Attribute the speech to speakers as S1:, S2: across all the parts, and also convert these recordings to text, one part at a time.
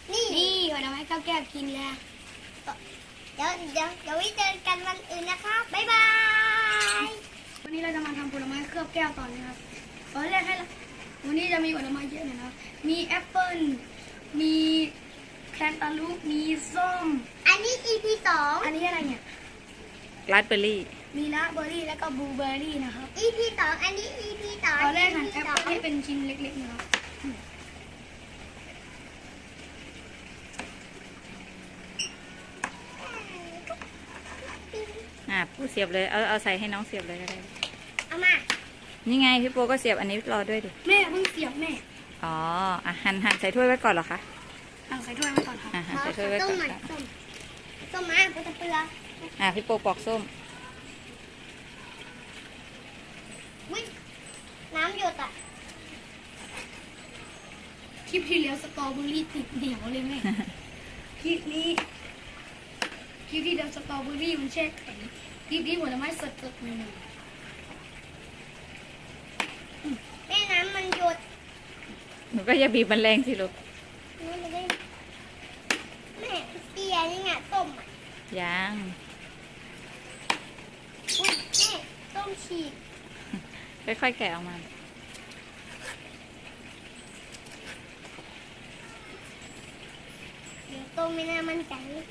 S1: นี่ผลไม้แก้วกินแล้วเดี๋ยวไว้เจอกันวันอื่นนะครับบ๊ายบายวันนี้เราจะมาทำผลไม้เคลือบแก้วต่อนะครับตอนแรกวันนี้จะมีผลไม้เยอะนะครับมีแอปเปิ้ลมีแคนตาลูปมีส้มอันนี้ EP 2อันนี้อะไรเนี่ย
S2: ราสเบอร์รี่
S1: มีราสเบอร์รี่แล้วก็บลูเบอร์รี่นะครับ EP 2อันนี้ EP 2ตอนแรกหั่นแอปเปิ้ลให้เป็นชิ้นเล็กๆนะครับ
S2: ผู้เสียบเลยเอาใส่ให้น้องเสียบเลยก็ได้
S1: เอามา
S2: นี่ไงพี่โปก็เสียบอันนี้รอด้วยดิ
S1: แม่เพิ่งเสียบแม่
S2: อ๋อหั่นใส่ถ้วยไว้ก่อนเหรอคะ
S1: หั่นใส่ถ้วยไว้ก่อนครับ
S2: หั่นใส่ถ้วยไว้ก่อน
S1: ส้มมาปูตะเปือ
S2: พี่โปปอกส้ม
S1: วิ่งน้ำหยดอ่ะคลิปที่แล้วสตรอเบอรี่ติดเหนียวเลยแม่คลิปที่เดียวสตรอเบอรี่มันแช่แข็งคลิปนี้ผลไม้สดๆเลยแม่น้ำมันหยด
S2: หนูก็อย่าบีบมันแรงสิลูก
S1: แม่เตียนี่ไงต้ม
S2: ยัง
S1: อุ้ยแม่ต้มฉีก
S2: ค่อยๆแกะออกมา
S1: เดี๋ยวต้มไม่น่ามันใจ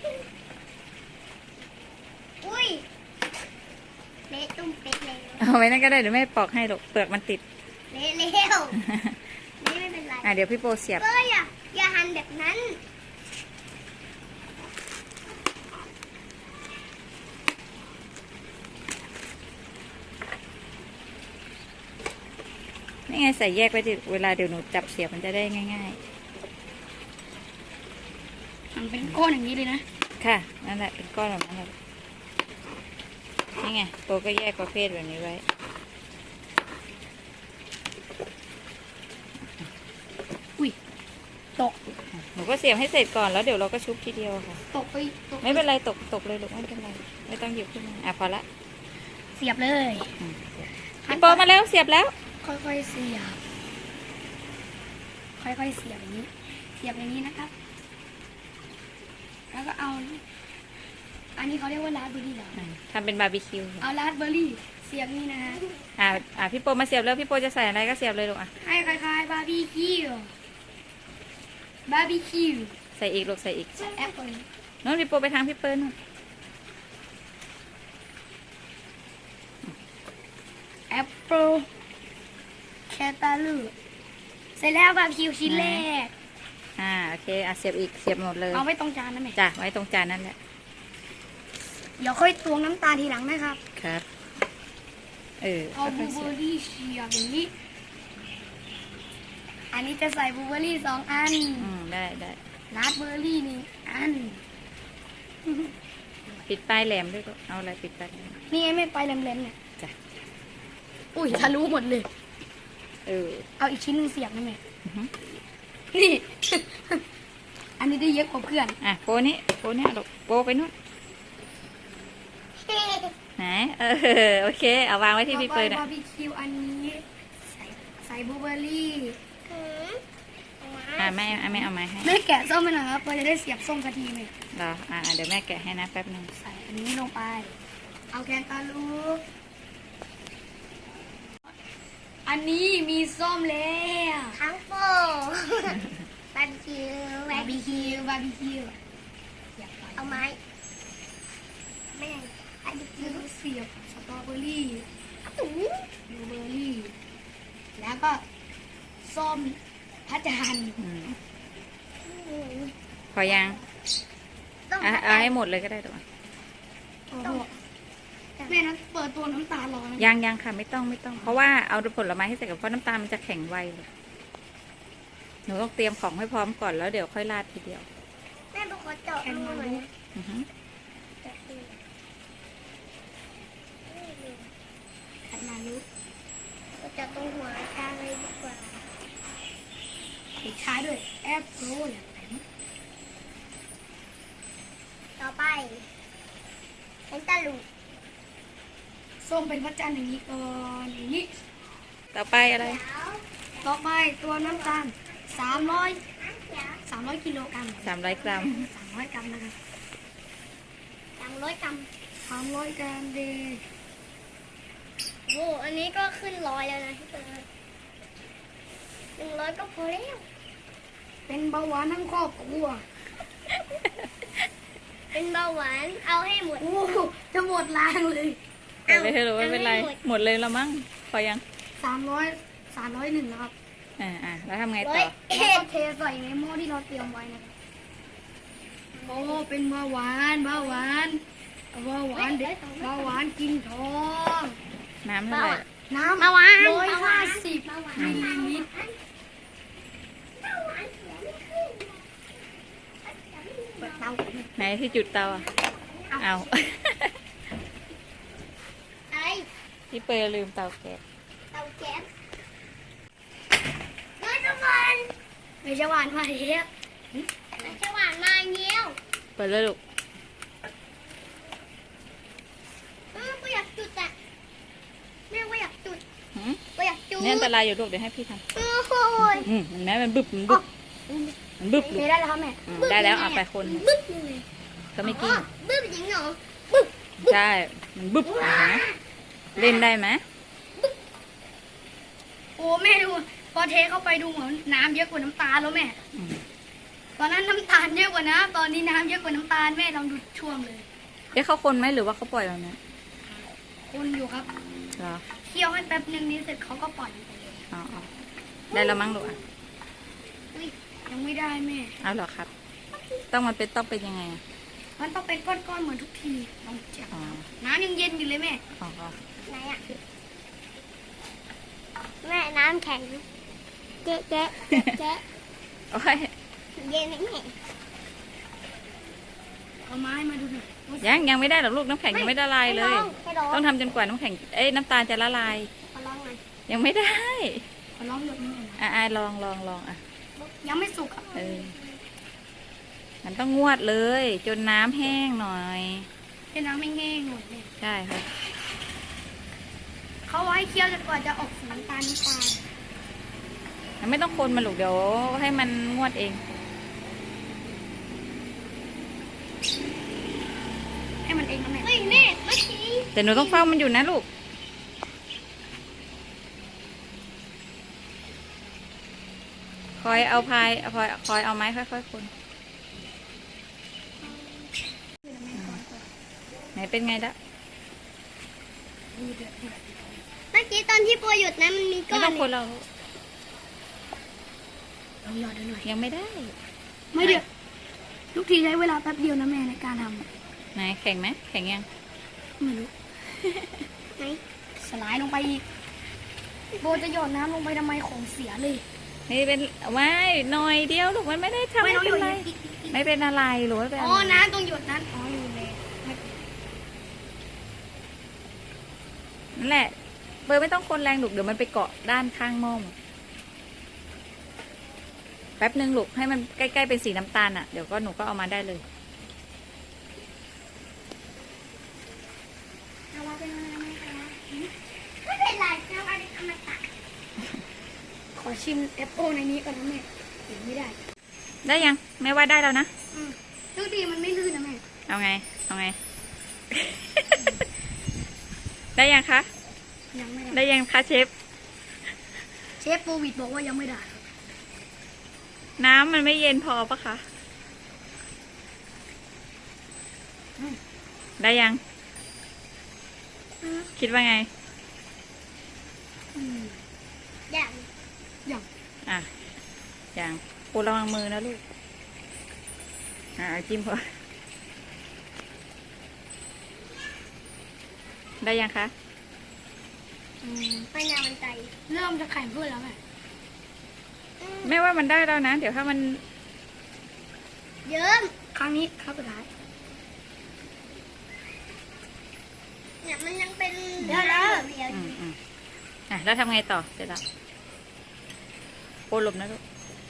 S1: อุ้ยเละตุ้มเป็ดเลย
S2: เอาไว้นั่นก็ได้เดี๋ยวแม่ปอกให้ลูกเปลือกมันติด
S1: เละเร็วนี่ไม่เป็นไร
S2: เดี๋ยวพี่โปเสียบ
S1: ก็อย่าหั่นแบบนั้น
S2: นี่ไงใส่แยกไว้ดิเวลาเดี๋ยวหนูจับเสียบมันจะได้ง่าย
S1: ๆมันเป็นก้อนอย่างนี้เลยนะ
S2: ค่ะนั่นแหละเป็นก้อนแบบนั้นเลยนี่ไงโปก็แยกประเภทแบบนี้ไว้
S1: อุ้ยตก
S2: หนูก็เสียบให้เสร็จก่อนแล้วเดี๋ยวเราก็ชุบทีเดียวค่ะ
S1: ตกไป
S2: ไม่เป็นไรตกเลยลูกไม่เป็นไรไม่ต้องหยิบขึ้นมาพอละ
S1: เสียบเลย
S2: พี่โปมาแล้วเสียบแล้ว
S1: ค่อยๆเสียบค่อยๆเสียบอย่างนี้เสียบอย่างนี้นะครับแล้วก็เอาอันนี้เขาเรียกว่าราสเบอร์รี่เหรอ
S2: ทำเป็นบาร์บีคิว
S1: เอาราสเบอร์รี่เสียบนี่นะฮ
S2: ะพี่โปมาเสียบแล้วพี่โปจะใส่อะไรก็เสียบเลยลูก
S1: ให้คล้ายๆบาร์บีคิว
S2: ใส่อีกลูกใส่อีก
S1: แอปเปิ้ล
S2: น้องพี่โปไปทางพี่เปิ้ลนู่น
S1: แอปเปิ้ลแคตาลูปเสร็จแล้วบาร์บีคิวชิ้นแรก
S2: โอเคเสียบอีกเสียบหมดเลย
S1: เอาไว้ตรงจานนั่นแหละ
S2: จ้ะไว้ตรงจานนั่นแหละ
S1: เดี๋ยวค่อยตวงน้ำตาลทีหลังนะครับ
S2: ครับ
S1: เอาบลูเบอร์รี่เฉียบอย่างนี้อันนี้จะใส่บลูเบอร์รี่2 อัน
S2: ได้
S1: ราสเบอร์รี่1 อัน
S2: ปิดปลายแหลมด้วยก็เอาอะไรปิดปลาย
S1: นี่ไงไม่ปลายแหลมๆเนี่ย
S2: จ้ะ
S1: อุ้ยทะลุหมดเลยเอาอีกชิ้นนึงเสียบนะแม่นี่อันนี้ได้เยอะกว่าเพื่อน
S2: โปนี่ลูกโปไปนู่นไหนโอเคเอาวางไว้ที่พี่เปิ้ล
S1: บาร์บีคิวอันนี้ใส่บลูเบอร์รี่
S2: แม่เอาไม้ให้
S1: แม่แกะส้มไปหน่อยครับเพื่อจะได้เสียบส้มกะทิไหม
S2: รอเดี๋ยวแม่แกะให้นะแป๊บนึง
S1: ใส่อันนี้ลงไปเอาแกงตาลูกอันนี้มีส้มแล้วทั้งโปบาร์บีคิวเอาไม้แม่บาร์บีคิวเสียบสตรอเบอรี่บลูเบอร์รี่แล้วก็ส้มพัชรัน
S2: พอยังเอาให้หมดเลยก็ได้ตัว
S1: แม่นั้นเปิดตัวน้ำตาลรอ
S2: ยังค่ะไม่ต้องเพราะว่าเอาผลไม้ให้ใส่กับเพราะน้ำตาลมันจะแข็งไวเลยหนูต้องเตรียมของให้พร้อมก่อนแล้วเดี๋ยวค่อยราดทีเดียว
S1: แม่บอกว่าเจาะรูหน่อยขัดมาลุกจะตรงหัวชาเลยดีกว่าปิดท้ายด้วยแอปเปิ้ลต่อไปเป็นตะลุส้มเป็นพระจันทร์อย่างนี้ก่อนอย่างนี้
S2: ต่อไปอะไร
S1: ต่อไปตัวน้ำตาล300 300 กิโลกรัม
S2: 300 กรัม
S1: 300 กรัมนะครับ300 กรัม300 กรัมเดโอ้อันนี้ก็ขึ้น100แล้วนะพี่เตย100ก็พอแล้วเป็นเบาหวานทั้งครอบครัวเป็นเบาหวานเอาให้หมดโอ้จะหมดล้างเลย
S2: ไม่ให้รู้ไม่เป็นไรหมดเลยละมั้งพอยัง
S1: 301นะครับ
S2: แล้วทำไงต่อ
S1: แล้วก็เทใส่ในหม้อที่เราเตรียมไว้นะครับโอ้เป็นเบาหวานเบาหวานเบาหวานเด็กเบาหวานกินทอง
S2: น้ำเท่าไหร่
S1: น้ำ150มิลลิลิตรเปิดเตา
S2: ไหนที่จุดเตาอ่ะเอา
S1: อะไร
S2: พี่เปย์ลืมเตาแก๊ส
S1: เตาแก๊สไม่จะหวานไม่จะหวานมาเนี้ยไม่จะหวานมาเนี้ย
S2: เปิดเลยลูก
S1: ก็อยากจุดอ่ะแม่ก็อยากจุด
S2: หืม
S1: ก็อยากจุด
S2: เนี่ยอันตรายอยู่ลูกเดี๋ยวให้พี่ท
S1: โอ้โห
S2: ำเห็นไหมมันบึบมันบึบมันบึบลูก
S1: ได้แล้วครับแม่
S2: ได้แล้วเอาไปคน
S1: บึ้บเลย
S2: ก็ไม่กิน
S1: บึ้บจริงเหรอบึ้บ
S2: ใช่มันบึบเห็นไหมเล่นได้ไหม
S1: โอ้แม่ดูพอเทเข้าไปดูเหมือนน้ำเยอะกว่าน้ำตาลแล้วแม่
S2: อืม
S1: ตอนนั้นน้ำตาลเยอะกว่าน้ำตอนนี้น้ำเยอะกว่าน้ำตาลแม่ลองดูช่วงเลย
S2: เอ๊ะเขาคนไหมหรือว่าเขาปล่อยแบบนี้
S1: คนอยู่ครับ
S2: เหรอ
S1: เคี่ยวให้แป๊บนึงนี้เสร็จเขาก็ปล่อยไปเลย
S2: อ๋อได้แล้วมั้งลูกอ่ะ
S1: อุ้ยยังไม่ได้แม่
S2: เอาเหรอครับ มันต้องเป็นยังไงอ่ะ
S1: มันต้องเป็นก้อนๆเหมือนทุกทีลองจับ
S2: อ๋อ
S1: น้ำยังเย็นอยู่เลยแม่
S2: อ๋อ
S1: ไหนอะแม่น้ำแข็งแกะแกะแกะ
S2: โอ้ย
S1: เย็นไหมแม่เอาไม้มาดูหน่อย
S2: ยังไม่ได้หรอกลูกน้ำแข็งยังไม่ละลายเลย
S1: ให้ลอง
S2: ต้องทำจนกว่าน้ำแข็งน้ำตาลจะละลาย
S1: ขอลองหน่อย
S2: ยังไม่ได้
S1: ขอลองหยดนิดหน่อยนะ
S2: ลองอ่ะ
S1: ยังไม่สุกอ่ะ
S2: มันต้องงวดเลย จนน้ำแห้งหน่อย
S1: ให้น้ำไม่แห้งหน่อยเลย
S2: ใช่ครับ
S1: เขาไว้เคี่ยวจนกว่าจะออกสีน้ำตาล
S2: ไม่ต้องคนมันลูกเดี๋ยวให้มันงวดเอง
S1: ให้มันเองนะแม่เฮ้ยแม่เมื่อกี้
S2: แต่หนูต้องเฝ้ามันอยู่นะลูก คอยเอาคอยเอาไม้ค่อยๆคนไหนเป็นไงละ
S1: เมื่อกี้ตอนที่ปัวหยุดนะมันมีก้
S2: ไม่
S1: อน
S2: ต้องคนเรา
S1: ลองหยอดดูหน่อย
S2: ยังไม่ได้
S1: ไม่เดือดทุกทีใช้เวลาแป๊บเดียวนะแม่ในการท
S2: ไหนแข็งไหมแข็งยัง
S1: ำไม่รู้ไหนสลายลงไปอีกโบจะหยอดน้ำลงไปทำไมของเสียเลย
S2: นี่เป็นไม่หน่อยเดียวลูกมันไม่ได้ทำ
S1: ไม่
S2: ไม่
S1: ต้องหย
S2: เป็น
S1: ด
S2: ไร
S1: อีก
S2: ไม่เป็นอะไรหรือว่าเป็น
S1: อ๋
S2: อะ
S1: อ
S2: ไร
S1: น้ำตรงหยดนั้นอ๋ออยู่เลย
S2: นั่นแหละเบอร์ไม่ต้องคนแรงลูกเดี๋ยวมันไปเกาะด้านข้างหม้อแป๊บนึงลูกให้มันใกล้ๆเป็นสีน้ำตาลอ่ะเดี๋ยวก็หนูก็เอามาได้เลย
S1: เอามาเป็นอะไรไหมคะไม่เป็นไรเอามาเป็นอมตะขอชิมแอปเปิลในนี้ก่อนนะแม่เห็นไม่ได้
S2: ได้ยังแม่ว่าได้แล้วนะ
S1: ทุกทีมันไม่ลื่นนะแม่
S2: เอาไง ได้ยังคะ
S1: ยังไม่ได้
S2: ได้ยังคะเชฟ
S1: เชฟโควิดบอกว่ายังไม่ได้
S2: น้ำมันไม่เย็นพอปะคะได้ยัง คิดว่าไง
S1: ยัง
S2: อ่ะยังปูระวังมือนะลูกจิ้มพอได้ยังคะ
S1: ไม่นานมันใจเริ่มจะแข็งขึ้นแล้วแม่
S2: แม่ว่ามันได้แล้วนะ เดี๋ยวถ้ามัน
S1: เยิ้มครั้งนี้ครับสุดท้ายเนี่ยมันยังเป็นเดี๋ยว
S2: แล้วทำไงต่อเสร็จแล้วโอ้หลบนะลูก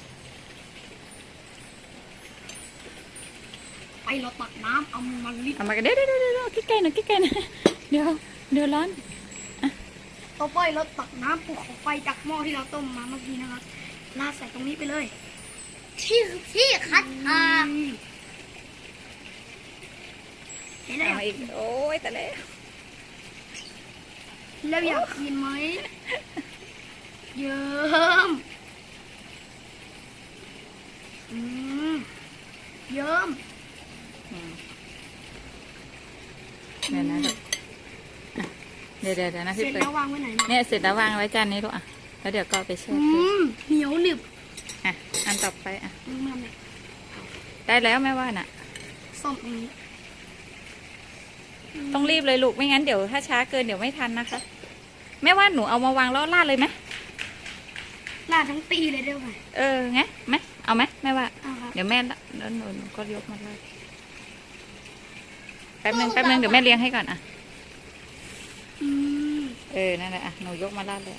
S1: ไปเราตักน้ำเอามันลิด
S2: เอามากันเดี๋ยวใกล้ๆหน่อยเดี๋ยวร้อน
S1: ต่อไปเราตักน้ำภูเขาไฟจากหม้อที่เราต้มมาเมื่อกี้นะครับราดใส่ตรงนี้ไปเลยที่คัดทางเห็นไหม
S2: เอามาอีกโอ้ยแต่แล้ว
S1: แล้วอยากกินไหมเยิ้มเยิ้ม
S2: อืมเดี๋ยวนะลูกอ่ะเดี๋ยวนะ
S1: เส
S2: พี่
S1: ร็จ
S2: เปิด
S1: แล้ววางไว้ไหน
S2: เนี่ยเสร็จแล้ววางไว้จานนี้ลูกอ่ะแล้วเดี๋ยวก็เอาไปแช่
S1: อื
S2: ตู้
S1: มเหนียวหนึบ
S2: อ่ะอันต่อไปอ่ะ
S1: มึงมาไหม
S2: ได้แล้วแม่ว่าน่ะ
S1: ส้มตรงนี้
S2: ต้องรีบเลยลูกไม่งั้นเดี๋ยวถ้าช้าเกินเดี๋ยวไม่ทันนะคะแม่ว่าหนูเอามาวางแล้วราดเลยไหม
S1: ลาดทั้งปีเลยได้ไหม
S2: เออไงไหมเอาไหมแม่ว่า
S1: เอาครับ
S2: เดี๋ยวแม่แล้วหนูก็ยกมาราดแป๊บนึงเดี๋ยวแม่เลี้ยงให้ก่อนอ่ะ
S1: อืม
S2: เออนั่นแหละอ่ะหนูยกมาราดเลย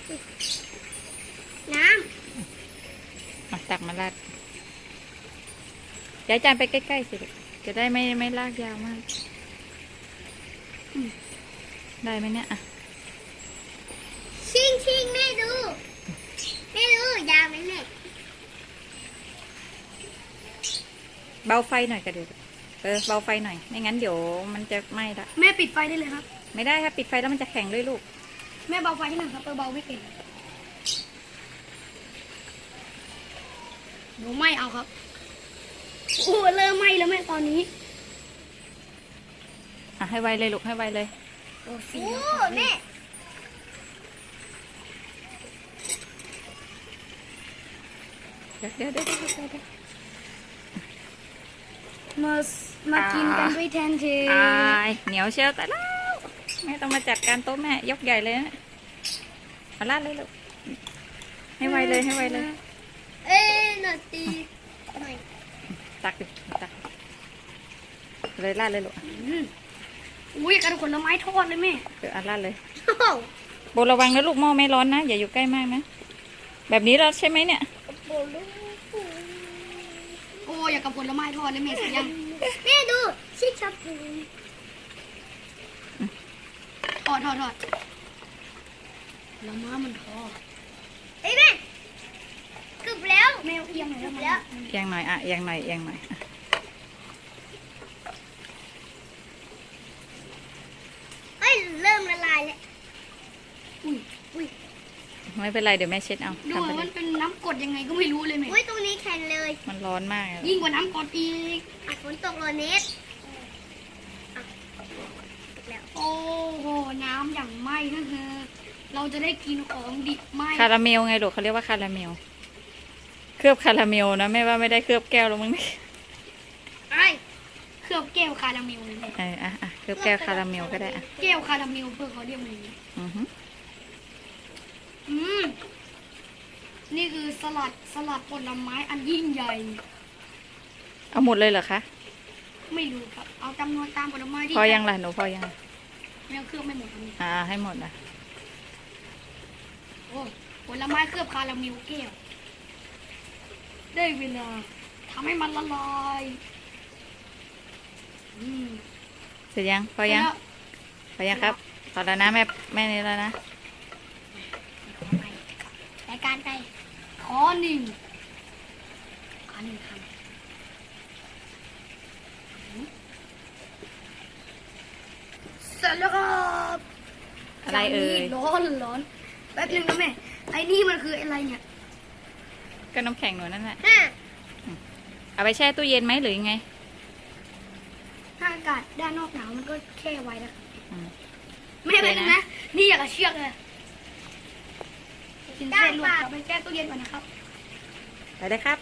S1: น้
S2: อ่ะตักมาราดย้ายจานไปใกล้ๆสิลูกจะได้ไม่ลากยาวมากได้ไหมเนี่ยอ่ะ
S1: ำชิงแม่ดูยาวไหมแม่
S2: เบาไฟหน่อยก็เดี๋ยวเบาไฟหน่อยไม่งั้นเดี๋ยวมันจะไหม้ละ
S1: แม่ปิดไฟได้เลยครับ
S2: ไม่ได้ครับปิดไฟแล้วมันจะแข็งด้วยลูก
S1: แม่เบาไฟให้หน่อยครับเบาไม่เป็นหนูไม่เอาครับโอ้เริ่มไหม้แล้วแม่ตอนนี้
S2: อ่ะให้ไวเลยลูกให้ไวเลย
S1: โอ้แม่
S2: เดี๋ยว
S1: มากินกันด้วยแทนเท
S2: อายเหนียวเชียวแต่แล้วแม่ต้องมาจัดการโต๊ะแม่ยกใหญ่เลยนะเอาลาดเลยลูกให้ไวเลย
S1: หน่อยตีหน่อย
S2: ตักดิตักเลยลาดเลยลูก
S1: อุ้ยกันผลไม้ทอดเลยแม่
S2: เอาลาดเลยโบระวังนะลูกหม้อไม่ร้อนนะอย่าอยู่ใกล้มากนะแบบนี้เราใช่ไหมเนี่ย
S1: โอ้อยากกับผลไม้ทอดเลยแม่เสียงแม่ดูชิคชับปูทอดแล้วม้ามันทอดเอ้ยแม่กึบแล้วแมวเอียงหน่อยแล้ว
S2: เอียงหน่อยอ่ะเอียงหน่อยอ่ะ
S1: เอ้ยเริ่มละลายแล้วอุ้ย
S2: ไม่เป็นไรเดี๋ยวแม่เช็ดเอา
S1: ดู
S2: ทำไปเล
S1: มั
S2: ย
S1: นเป็นน้ำกรดยังไงก็ไม่รู้เลยแม่อุ้ยตรงนี้แข็งเลย
S2: มันร้อนมากอะ
S1: ยิ่งกว่าน้ำกรดอีกฝนตกโรเนสโอ้โหน้ำอย่างไหม้ก็คือเราจะได้กินของดิบไหม้
S2: คาราเมลไงลูกเขาเรียกว่าคาราเมลเคลือบคาราเมลนะแม่ว่าไม่ได้เคลือบแก้วแล้วมั้งเนี่ย
S1: ไอ้เคลือบแก้วคาราเมลเลยแม่
S2: เคลือบแก้วคาราเมลก็ได้อ่ะ
S1: แก้วคาราเมลเพื่อเขาเรียกมันอย่างนี้
S2: อือฮึ
S1: นี่คือสลัดผลไม้อันยิ่งใหญ่
S2: เอาหมดเลยเหรอคะ
S1: ไม่รู้ครับ เอาจำนวนตามผลไม้ที่
S2: พอยังล่ะหนูพอยัง
S1: แมวเคลือบไม่หมดครับ
S2: ให้หมดนะ
S1: โอ้ผลไม้เคลือบคาราเมลแก้วได้เวลาทำให้มันละลาย
S2: เสร็จยังพอยัง
S1: แล้ว
S2: พอยังครับพอแล้วนะแม่นี่แล้วนะ
S1: รายการไปขอหนึ่งคำเสร็จแล้วครับ
S2: อะไรเอ่ย
S1: ร้อนแป๊บนึงนะแม่ไอ้นี่มันคืออะไรเนี่ย
S2: ก็น้ำแข็งหนูนั่นแหละเอาไปแช่ตู้เย็นไหมหรือยังไง
S1: ถ้าอากาศด้านนอกหนาวมันก็แช่ไว้นะครับ
S2: อืม
S1: ไม่เป็นไรนะนี่อยากจะเชือกเลยกินเส้นลวกเอาไปแช่ตู้เย็นก่อนนะครับ
S2: ไปเลยครับ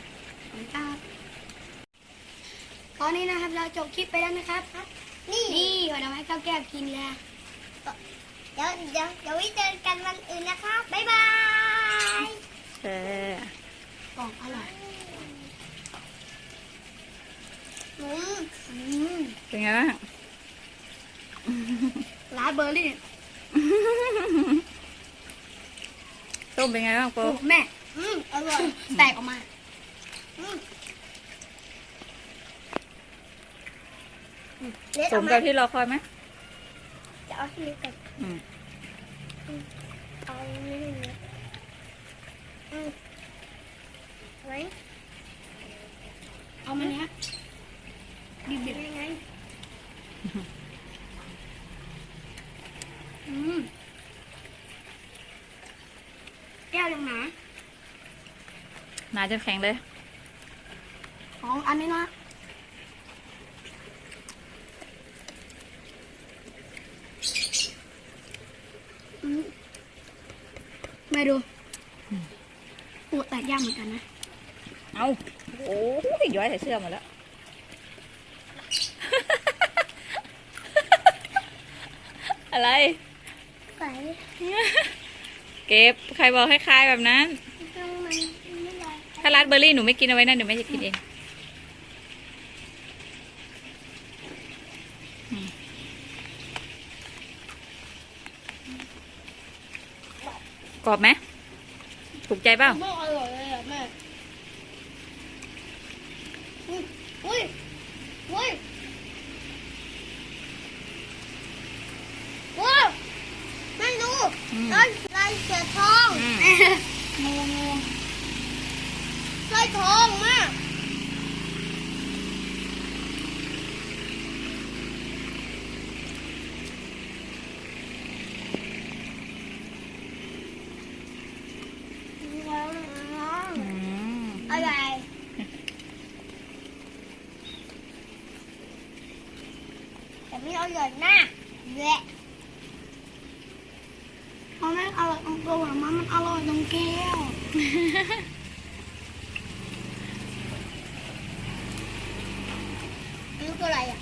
S1: ตอนนี้นะครับเราจบคลิปไปแล้วนะครับนี่ผลไม้ข้าวแก้วกินแล้วเดี๋ยวไว้เจอกันวันอื่นนะครับบ๊ายบาย กล่องอร่อย
S2: เป็นไงบ้าง
S1: ร้านเบอร์รี่
S2: ส้มเป็นไงบ้างโป๊
S1: โอ้แม่อร่อยแตกออกมา
S2: สมกับที่รอคอยไหม
S1: จะเอาที่นี้ก่อนเอานี่ไว้เอามันเนี้ยดิบๆยังไงแก้วยังหนา
S2: หนาจนแข็งเลย
S1: ของอันนี้นะมาดูปูแตกยากเหมือนกันนะ
S2: เอาโอ้ยย้อยใส่เสื้อหมดแล้ว อะไร
S1: ใส่
S2: เก็บ ใครบอกให้คลายแบบนั้น
S1: ต้องมันไม่ได้
S2: ถ้าราสเบอร์รี่หนูไม่กินเอาไว้นะเดี๋ยวแม่จะกินเองกรอบไหมถูกใจเปล่า
S1: ไม่อร่อยเลยอ่ะแม่อุ้ยอุ้ยว้าวแม่ดูลายเสือทองงูลายทองมากอะไรแต่ไม่อร่อยนะแหละเพราะมันอร่อยตรงตัวมันอร่อยตรงแก้วนี่ตัวอะไรอ่ะ